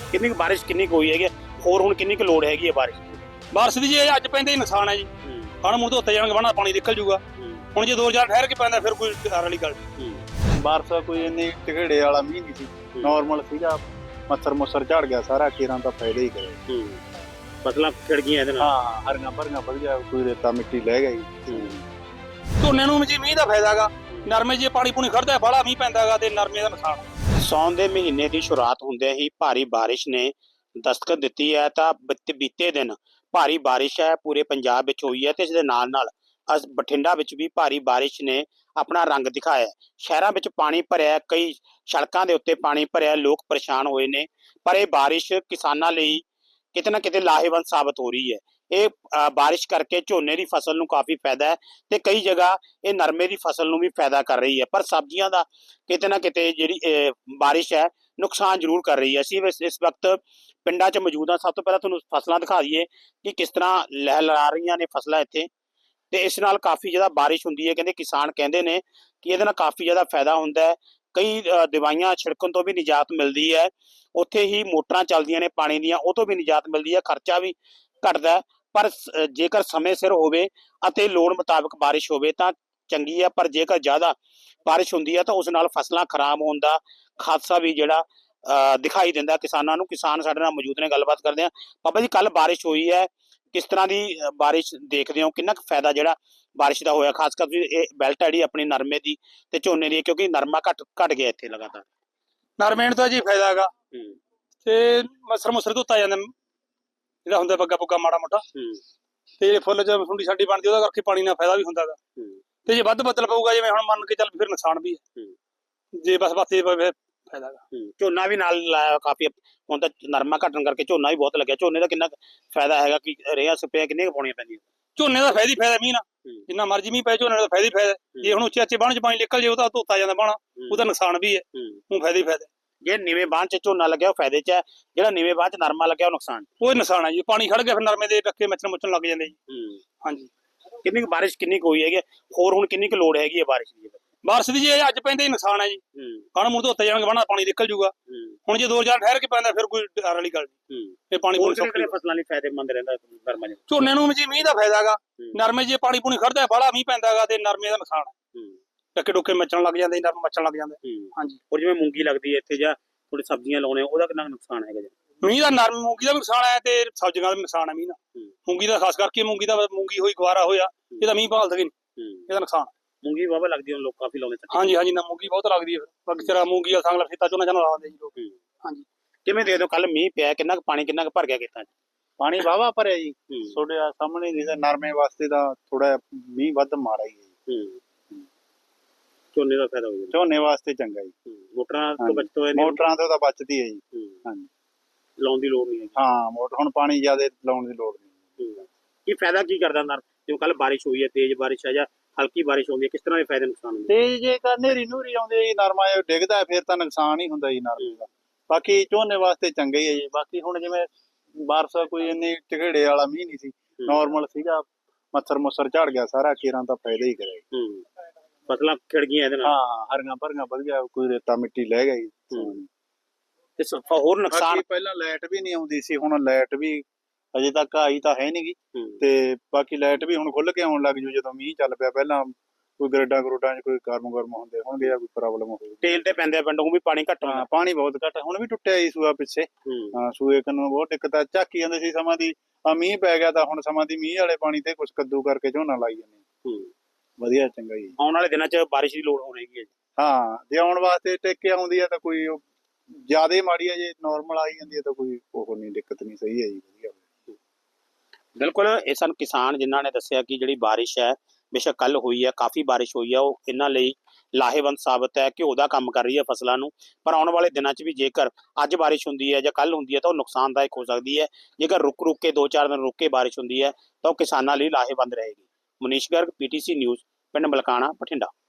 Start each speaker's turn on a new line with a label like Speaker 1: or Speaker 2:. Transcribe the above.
Speaker 1: ਕਿੰਨੀ ਕੁ ਬਾਰਿਸ਼ ਕਿੰਨੀ ਕੁ ਹੋਈ ਹੈਗੀ ਹੋਰ ਹੁਣ ਕਿੰਨੀ ਕੁ ਲੋੜ ਹੈਗੀ ਹੈ
Speaker 2: ਬਾਰਿਸ਼ ਦੀ ਜੀ ਅੱਜ ਪੈਂਦੇ ਹੀ ਨੁਕਸਾਨ ਹੈ ਜੀ। ਹਣ ਮੁੜ ਧੋਤੇ ਜਾਣਗੇ ਬਾਣਾ ਪਾਣੀ ਨਿਕਲ ਜੂਗਾ। ਹੁਣ ਜੇ 2000 ਠਹਿਰ ਕੇ ਪੈਂਦਾ ਫਿਰ ਕੋਈ ਡਰ ਵਾਲੀ ਗੱਲ ਨਹੀਂ।
Speaker 3: ਬਾਰਿਸ਼ ਕੋਈ ਇੰਨੀ ਝਗੜੇ ਵਾਲਾ ਮੀਂਹ ਨਹੀਂ ਸੀ, ਨਾਰਮਲ ਸੀਗਾ। ਮੱਛਰ ਮੁੱਛਰ ਝੜ ਗਿਆ ਸਾਰਾ, ਕੀਰਾਂ ਦਾ ਫਾਇਦਾ ਹੀ ਕਰੇ।
Speaker 1: ਫਸਲਾਂ ਖਿੜ ਗਈਆਂ ਇਹਦੇ ਨਾਲ।
Speaker 3: ਹਾਂ, ਹਰੀਆਂ ਭਰੀਆਂ ਵਧੀਆ, ਕੋਈ ਰੇਤਾ ਮਿੱਟੀ ਲੈ ਗਈ।
Speaker 2: ਝੋਨੇ ਨੂੰ ਜੀ ਮੀਂਹ ਦਾ ਫਾਇਦਾ ਹੈਗਾ, ਨਰਮੇ ਜੇ ਪਾਣੀ ਪੂਣੀ ਖੜਦਾ ਬਾਹਲਾ ਮੀਂਹ ਪੈਂਦਾ ਹੈਗਾ ਤੇ ਨਰਮੇ ਦਾ ਨੁਕਸਾਨ।
Speaker 1: ਸਾਉਣ ਦੇ ਮਹੀਨੇ ਦੀ ਸ਼ੁਰੂਆਤ ਹੁੰਦੇ ਹੀ ਭਾਰੀ ਬਾਰਿਸ਼ ਨੇ ਦਸਤਕ ਦਿੱਤੀ ਹੈ ਤਾਂ ਬੀਤੇ ਦਿਨ ਭਾਰੀ ਬਾਰਿਸ਼ ਹੈ ਪੂਰੇ ਪੰਜਾਬ ਵਿੱਚ ਹੋਈ ਹੈ ਤੇ ਇਸ ਦੇ ਨਾਲ ਬਠਿੰਡਾ ਵਿੱਚ ਵੀ ਭਾਰੀ ਬਾਰਿਸ਼ ਨੇ ਆਪਣਾ ਰੰਗ ਦਿਖਾਇਆ। ਸ਼ਹਿਰਾਂ ਵਿੱਚ ਪਾਣੀ ਭਰਿਆ, ਕਈ ਸੜਕਾਂ ਦੇ ਉੱਤੇ ਪਾਣੀ ਭਰਿਆ, ਲੋਕ ਪਰੇਸ਼ਾਨ ਹੋਏ ਨੇ। ਪਰ ਇਹ ਬਾਰਿਸ਼ ਕਿਸਾਨਾਂ ਲਈ ਕਿਤੇ ਨਾ ਕਿਤੇ ਲਾਹੇਵੰਦ ਸਾਬਤ ਹੋ ਰਹੀ ਹੈ। ਇਹ ਬਾਰਿਸ਼ ਕਰਕੇ ਝੋਨੇ ਦੀ ਫਸਲ ਨੂੰ ਕਾਫੀ ਫਾਇਦਾ ਹੈ ਤੇ ਕਈ ਜਗ੍ਹਾ ਇਹ ਨਰਮੇ ਦੀ ਫਸਲ ਨੂੰ ਵੀ ਫਾਇਦਾ ਕਰ ਰਹੀ ਹੈ। ਪਰ ਸਬਜ਼ੀਆਂ ਦਾ ਕਿਤੇ ਨਾ ਕਿਤੇ ਜਿਹੜੀ ਬਾਰਿਸ਼ ਹੈ ਨੁਕਸਾਨ ਜ਼ਰੂਰ ਕਰ ਰਹੀ ਹੈ। ਅਸੀਂ ਇਸ ਵਕਤ ਪਿੰਡਾਂ 'ਚ ਮੌਜੂਦ ਹਾਂ। ਸਭ ਤੋਂ ਪਹਿਲਾਂ ਤੁਹਾਨੂੰ ਫਸਲਾਂ ਦਿਖਾ ਦਈਏ ਕਿ ਕਿਸ ਤਰ੍ਹਾਂ ਲਹਿਲਹਾ ਰਹੀਆਂ ਨੇ ਫਸਲਾਂ ਇੱਥੇ, ਤੇ ਇਸ ਨਾਲ ਕਾਫੀ ਜ਼ਿਆਦਾ ਬਾਰਿਸ਼ ਹੁੰਦੀ ਹੈ। ਕਹਿੰਦੇ ਕਿਸਾਨ ਕਹਿੰਦੇ ਨੇ ਕਿ ਇਹਦੇ ਨਾਲ ਕਾਫੀ ਜ਼ਿਆਦਾ ਫਾਇਦਾ ਹੁੰਦਾ ਹੈ। ਕਈ ਦਵਾਈਆਂ ਛਿੜਕਣ ਤੋਂ ਵੀ ਨਿਜਾਤ ਮਿਲਦੀ ਹੈ, ਉੱਥੇ ਹੀ ਮੋਟਰਾਂ ਚੱਲਦੀਆਂ ਨੇ ਪਾਣੀ ਦੀਆਂ, ਉਹ ਤੋਂ ਵੀ ਨਿਜਾਤ ਮਿਲਦੀ ਹੈ, ਖਰਚਾ ਵੀ ਘਟਦਾ ਹੈ। ਪਰ ਜੇਕਰ ਸਮੇਂ ਸਿਰ ਹੋਵੇ ਅਤੇ ਲੋੜ ਮੁਤਾਬਕ ਬਾਰਿਸ਼ ਹੋਵੇ ਤਾਂ ਚੰਗੀ ਹੈ। ਪਰ ਜੇਕਰ ਜ਼ਿਆਦਾ ਬਾਰਿਸ਼ ਹੁੰਦੀ ਹੈ ਤਾਂ ਉਸ ਨਾਲ ਫਸਲਾਂ ਖਰਾਬ ਹੋਣ ਦਾ ਖਾਦਸਾ ਵੀ ਜਿਹੜਾ ਦਿਖਾਈ ਦਿੰਦਾ ਕਿਸਾਨਾਂ ਨੂੰ। ਕਿਸਾਨ ਸਾਡੇ ਨਾਲ ਮੌਜੂਦ ਨੇ, ਗੱਲਬਾਤ ਕਰਦੇ ਹਾਂ। ਬਾਬਾ ਜੀ, ਕੱਲ ਬਾਰਿਸ਼ ਹੋਈ ਹੈ, ਕਿਸ ਤਰ੍ਹਾਂ ਦੀ ਬਾਰਿਸ਼ ਦੇਖਦੇ ਹੋ? ਕਿੰਨਾ ਕੁ ਫਾਇਦਾ ਜਿਹੜਾ ਬਾਰਿਸ਼ ਦਾ ਹੋਇਆ, ਖਾਸ ਕਰਕੇ ਇਹ ਬੈਲਟ ਹੈ ਜਿਹੜੀ ਆਪਣੀ ਨਰਮੇ ਦੀ ਤੇ ਝੋਨੇ ਦੀ, ਕਿਉਂਕਿ ਨਰਮਾ ਘਟ ਗਿਆ ਇੱਥੇ ਲਗਾਤਾਰ।
Speaker 2: ਨਰਮੇ ਨੂੰ ਤਾਂ ਜੀ ਫਾਇਦਾ ਹੈਗਾ ਤੇ ਮੱਛਰ ਮੁੱਛਰ ਧੋਤਾ ਜਾਂਦਾ ਜਿਹੜਾ ਹੁੰਦਾ ਬੱਗਾ ਬੁੱਗਾ ਮਾੜਾ ਮੋਟਾ, ਤੇ ਜਿਹੜੇ ਫੁੱਲ ਚ ਸੁੰਡੀ ਸਾਡੀ ਬਣਦੀ ਉਹਦਾ ਕਰਕੇ ਪਾਣੀ ਨਾਲ ਫਾਇਦਾ ਵੀ ਹੁੰਦਾ ਹੈਗਾ। ਤੇ ਜੇ ਵੱਧ ਬੱਦਲ ਪਊਗਾ ਜਿਵੇਂ ਹੁਣ ਮੰਨ ਕੇ ਚੱਲ ਫਿਰ ਨੁਕਸਾਨ ਵੀ ਹੈ। ਜੇ ਬਸ ਬਾਤੇ ਫਾਇਦਾ ਹੈਗਾ।
Speaker 1: ਝੋਨਾ ਵੀ ਨਾਲ ਲਾਇਆ ਕਾਫੀ, ਹੁਣ ਤਾਂ ਨਰਮਾ ਘਟਣ ਕਰਕੇ ਝੋਨਾ ਵੀ ਬਹੁਤ ਲੱਗਿਆ। ਝੋਨੇ ਦਾ ਕਿੰਨਾ ਫਾਇਦਾ ਹੈਗਾ? ਕਿ ਰੇਹਾਂ ਸਪਰੇਆਂ ਕਿੰਨੀਆਂ ਪਾਉਣੀਆਂ ਪੈਂਦੀਆਂ?
Speaker 2: ਝੋਨੇ ਦਾ ਫਾਇਦਾ ਹੀ ਫਾਇਦਾ ਮੀਂਹ ਨਾਲ, ਜਿੰਨਾ ਮਰਜ਼ੀ ਮੀਂਹ ਪਏ ਝੋਨੇ ਦਾ ਫਾਇਦਾ ਹੀ ਫਾਇਦਾ। ਜੇ ਹੁਣ ਉੱਚੇ ਬਾਣ ਚ ਪਾਣੀ ਨਿਕਲ ਜੇ ਉਹਦਾ ਧੋਤਾ ਜਾਂਦਾ ਬਾਣਾ, ਉਹਦਾ ਨੁਕਸਾਨ ਵੀ ਹੈ, ਉਹ ਫਾਇਦਾ ਹੀ ਫਾਇਦਾ।
Speaker 1: ਜੇ ਨੀਵੇਂ ਬਾਣ ਚ ਝੋਨਾ ਲੱਗਿਆ ਉਹ ਫਾਇਦੇ ਚ ਹੈ, ਜਿਹੜਾ ਨੀਵੇਂ ਬਾਣ ਚ ਨਰਮਾ ਲੱਗਿਆ ਉਹ ਨੁਕਸਾਨ।
Speaker 2: ਉਹ ਨੁਕਸਾਨ ਹੈ ਜੀ, ਪਾਣੀ ਖੜ ਗਿਆ ਫਿਰ ਨਰਮੇ ਦੇ ਡੱਕੇ ਮੱਛਰ ਮੁੱਚਣ ਲੱਗ ਜਾਂਦੇ ਜੀ। ਹਾਂਜੀ,
Speaker 1: ਕਿੰਨੀ ਕੁ ਬਾਰਿਸ਼ ਕਿੰਨੀ ਕੁ ਹੋਈ ਹੈਗੀ ਹੋਰ ਹੁਣ ਕਿੰਨੀ ਕੁ ਲੋੜ ਹੈਗੀ ਹੈ ਬਾਰਿਸ਼ ਦੀ?
Speaker 2: ਬਾਰਿਸ਼ ਦੀ ਜੀ ਅੱਜ ਪੈਂਦੇ ਹੀ ਨੁਕਸਾਨ ਹੈ ਜੀ। ਹਣ ਮੁੜ ਧੋਤੇ ਜਾਣਗੇ ਬਾਣਾ ਪਾਣੀ ਨਿਕਲ ਜੂਗਾ। ਹੁਣ ਜੇ 2000 ਠਹਿਰ ਕੇ ਪੈਂਦਾ ਫਿਰ ਕੋਈ ਡਰ ਵਾਲੀ ਗੱਲ ਨਹੀਂ। ਇਹ ਪਾਣੀ
Speaker 1: ਫਸਲਾਂ ਲਈ ਫਾਇਦੇਮੰਦ ਰਹਿੰਦਾ ਨਰਮਾ ਜੀ?
Speaker 2: ਝੋਨੇ ਨੂੰ ਜੀ ਮੀਂਹ ਦਾ ਫਾਇਦਾ ਹੈਗਾ, ਨਰਮੇ ਜੇ ਪਾਣੀ ਪੂਣੀ ਖੜਦਾ ਬਾਹਲਾ ਮੀਂਹ ਪੈਂਦਾ ਹੈਗਾ ਤੇ ਨਰਮੇ ਦਾ ਨੁਕਸਾਨ ਹੈ। ਡੱਕੇ ਡੁੱਕੇ ਮੱਚਣ ਲੱਗ ਜਾਂਦੇ, ਨਰਮ ਮੱਚਣ ਲੱਗ ਜਾਂਦਾ। ਹਾਂਜੀ,
Speaker 1: ਔਰ ਜਿਵੇਂ ਮੂੰਗੀ ਲੱਗਦੀ ਹੈ ਇੱਥੇ ਜਾਂ ਥੋੜੀ ਸਬਜ਼ੀਆਂ ਲਾਉਣੇ, ਉਹਦਾ ਕਿੰਨਾ ਨੁਕਸਾਨ ਹੈਗਾ ਜੀ?
Speaker 2: ਮੀਂਹ ਦਾ ਨਰਮ ਮੂੰਗੀ ਦਾ ਵੀ ਨੁਕਸਾਨ ਹੈ ਤੇ ਸਬਜ਼ੀਆਂ ਦਾ ਵੀ ਨੁਕਸਾਨ ਹੈ ਮੀਂਹ ਦਾ। ਮੂੰਗੀ ਦਾ ਖਾਸ ਕਰਕੇ ਮੂੰਗੀ ਹੋਈ ਗਵਾਰਾ ਹੋਇਆ, ਇਹਦਾ ਮੀਂਹ ਭਾਲ ਸਕੇ ਨਹੀਂ, ਇਹਦਾ ਨੁਕਸਾਨ।
Speaker 1: ਮੂੰਗੀ ਵਾਵਾ ਲੱਗਦੀ ਹੁਣ ਲੋਕ ਕਾਫੀ ਲਾਉਂਦੇ।
Speaker 2: ਹਾਂਜੀ ਹਾਂਜੀ, ਨਾ ਮੂੰਗੀ ਬਹੁਤ ਲੱਗਦੀ ਹੈ। ਬਾਕੀ ਤੇਰਾ ਮੂੰਗੀ ਦਾ ਸੰਗਲਾ ਖੇਤਾਂ ਚੋਂ ਲਾ ਦਿੰਦੇ ਜੀ ਲੋਕ। ਹਾਂਜੀ,
Speaker 1: ਕਿਵੇਂ ਦੇ ਦਿਓ? ਕੱਲ ਮੀਂਹ ਪਿਆ, ਕਿੰਨਾ ਕੁ ਪਾਣੀ ਕਿੰਨਾ ਕੁ ਭਰ ਗਿਆ ਖੇਤਾਂ 'ਚ?
Speaker 3: ਪਾਣੀ ਵਾਹਵਾ ਭਰਿਆ ਜੀ, ਤੁਹਾਡੇ ਸਾਹਮਣੇ ਨਹੀਂ। ਨਰਮੇ ਵਾਸਤੇ ਤਾਂ ਥੋੜਾ ਮੀਂਹ ਵੱਧ ਮਾੜਾ ਹੀ ਹੈ।
Speaker 1: ਝੋਨੇ ਦਾ ਫਾਇਦਾ ਹੋ ਜਾਂਦਾ,
Speaker 3: ਝੋਨੇ ਵਾਸਤੇ ਚੰਗਾ ਜੀ।
Speaker 1: ਮੋਟਰਾਂ ਤੋਂ ਬਚਤੋਂ ਹੈ,
Speaker 3: ਮੋਟਰਾਂ ਤੋਂ ਤਾਂ ਬਚਦੀ ਹੈ ਜੀ। ਹਾਂਜੀ,
Speaker 1: ਲਾਉਣ ਦੀ ਲੋੜ ਨਹੀਂ ਹੈ।
Speaker 3: ਹਾਂ, ਮੋਟਰ ਹੁਣ ਪਾਣੀ ਜ਼ਿਆਦਾ ਲਾਉਣ ਦੀ ਲੋੜ ਨਹੀਂ।
Speaker 1: ਕੀ ਫਾਇਦਾ ਕੀ ਕਰਦਾ ਨਰ? ਜਿਵੇਂ ਕੱਲ ਬਾਰਿਸ਼ ਹੋਈ ਹੈ, ਤੇਜ਼ ਬਾਰਿਸ਼ ਹੈ ਜਾਂ ਹਲਕੀ ਬਾਰਿਸ਼ ਹੁੰਦੀ ਹੈ, ਕਿਸ ਤਰ੍ਹਾਂ ਦੇ ਫਾਇਦੇ ਨੁਕਸਾਨ ਹੁੰਦੇ?
Speaker 3: ਤੇ ਜੇ ਹਨੇਰੀ ਨੂਰੀ ਆਉਂਦੀ ਜੀ, ਨਰਮਾ ਡਿੱਗਦਾ ਫਿਰ ਤਾਂ ਨੁਕਸਾਨ ਹੀ ਹੁੰਦਾ ਜੀ ਨਰਮੇ ਦਾ। ਬਾਕੀ ਝੋਨੇ ਵਾਸਤੇ ਚੰਗਾ ਹੀ ਹੈ ਜੀ। ਬਾਕੀ ਹੁਣ ਜਿਵੇਂ ਬਾਰਿਸ਼ ਕੋਈ ਇੰਨੀ ਝਗੜੇ ਵਾਲਾ ਮੀਂਹ ਨਹੀਂ ਸੀ, ਨਾਰਮਲ ਸੀਗਾ। ਮੱਛਰ ਮੁੱਛਰ ਝੜ ਗਿਆ ਸਾਰਾ, ਕੀਰਾਂ ਦਾ ਫਾਇਦਾ ਹੀ ਕਰੇ।
Speaker 1: ਫਸਲਾਂ ਖਿੜ ਗਈਆਂ ਇਹਦੇ ਨਾਲ।
Speaker 3: ਹਾਂ, ਹਰੀਆਂ ਭਰੀਆਂ ਵਧੀਆ, ਕੋਈ ਰੇਤਾ ਮਿੱਟੀ ਲੈ ਗਈ।
Speaker 1: ਤੇ ਹੋਰ ਨੁਕਸਾਨ?
Speaker 3: ਪਹਿਲਾਂ ਲਾਈਟ ਵੀ ਨਹੀਂ ਆਉਂਦੀ ਸੀ, ਹੁਣ ਲਾਈਟ ਵੀ ਅਜੇ ਤੱਕ ਆਈ ਤਾਂ ਹੈ ਨੀ ਗੀ। ਤੇ ਬਾਕੀ ਲਾਈਟ ਵੀ ਹੁਣ ਖੁੱਲ ਕੇ ਆਉਣ ਲੱਗ ਜੂ ਜਦੋਂ ਮੀਂਹ ਚੱਲ ਪਿਆ। ਪਹਿਲਾਂ ਕੋਈ ਗਰੇਡਾਂ ਗਰੂਡਾਂ 'ਚ ਕੋਈ ਗਰਮ ਹੁੰਦੇ ਹੋਣਗੇ ਜਾਂ ਕੋਈ ਪ੍ਰੋਬਲਮ ਹੋਵੇ।
Speaker 1: ਤੇਲ ਤੇ ਪੈਂਦੇ ਪਿੰਡੋਂ ਵੀ ਪਾਣੀ ਘੱਟ ਹੁੰਦਾ।
Speaker 3: ਪਾਣੀ ਬਹੁਤ ਘੱਟ, ਹੁਣ ਵੀ ਟੁੱਟਿਆ ਜੀ ਸੂਆ ਪਿੱਛੇ। ਸੂਏ ਨੂੰ ਬਹੁਤ ਦਿੱਕਤ ਆ। ਝਾਕੀ ਜਾਂਦੇ ਸੀ ਸਮਾਂ ਦੀ, ਮੀਂਹ ਪੈ ਗਿਆ ਤਾਂ ਹੁਣ ਸਮਾਂ ਦੀ ਮੀਂਹ ਵਾਲੇ ਪਾਣੀ ਤੇ ਕੁਛ ਕੱਦੂ ਕਰਕੇ ਝੋਨਾ ਲਾਈ ਜਾਂਦੇ। ਵਧੀਆ, ਚੰਗਾ ਜੀ।
Speaker 1: ਆਉਣ ਵਾਲੇ ਦਿਨਾਂ 'ਚ ਬਾਰਿਸ਼ ਦੀ ਲੋੜ ਹੋ ਰਹੀ ਹੈ।
Speaker 3: ਹਾਂ, ਜੇ ਆਉਣ ਵਾਸਤੇ ਟੇਕੇ ਆਉਂਦੀ ਆ ਤਾਂ ਕੋਈ ਜ਼ਿਆਦਾ ਮਾੜੀ ਆ, ਜੇ ਨਾਰਮਲ ਆਈ ਜਾਂਦੀ ਹੈ ਤਾਂ ਕੋਈ ਉਹ ਨਹੀਂ, ਦਿੱਕਤ ਨਹੀਂ। ਸਹੀ ਹੈ ਜੀ, ਵਧੀਆ।
Speaker 1: ਬਿਲਕੁਲ, ਇਹ ਸਾਨੂੰ ਕਿਸਾਨ ਜਿਨ੍ਹਾਂ ਨੇ ਦੱਸਿਆ ਕਿ ਜਿਹੜੀ ਬਾਰਿਸ਼ ਹੈ ਬੇਸ਼ੱਕ ਕੱਲ ਹੋਈ ਹੈ, ਕਾਫੀ ਬਾਰਿਸ਼ ਹੋਈ ਹੈ, ਉਹ ਇਹਨਾਂ ਲਈ ਲਾਹੇਵੰਦ ਸਾਬਤ ਹੈ, ਘਿਓ ਦਾ ਕੰਮ ਕਰ ਰਹੀ ਹੈ ਫਸਲਾਂ ਨੂੰ। ਪਰ ਆਉਣ ਵਾਲੇ ਦਿਨਾਂ 'ਚ ਵੀ ਜੇਕਰ ਅੱਜ ਬਾਰਿਸ਼ ਹੁੰਦੀ ਹੈ ਜਾਂ ਕੱਲ ਹੁੰਦੀ ਹੈ ਤਾਂ ਉਹ ਨੁਕਸਾਨਦਾਇਕ ਹੋ ਸਕਦੀ ਹੈ। ਜੇਕਰ ਰੁਕ ਕੇ 2-4 ਦਿਨ ਰੁਕ ਕੇ ਬਾਰਿਸ਼ ਹੁੰਦੀ ਹੈ ਤਾਂ ਉਹ ਕਿਸਾਨਾਂ ਲਈ ਲਾਹੇਵੰਦ ਰਹੇਗੀ। ਮਨੀਸ਼ ਗਰਗ, PTC ਨਿਊਜ਼, ਪਿੰਡ ਮਲਕਾਣਾ, ਬਠਿੰਡਾ।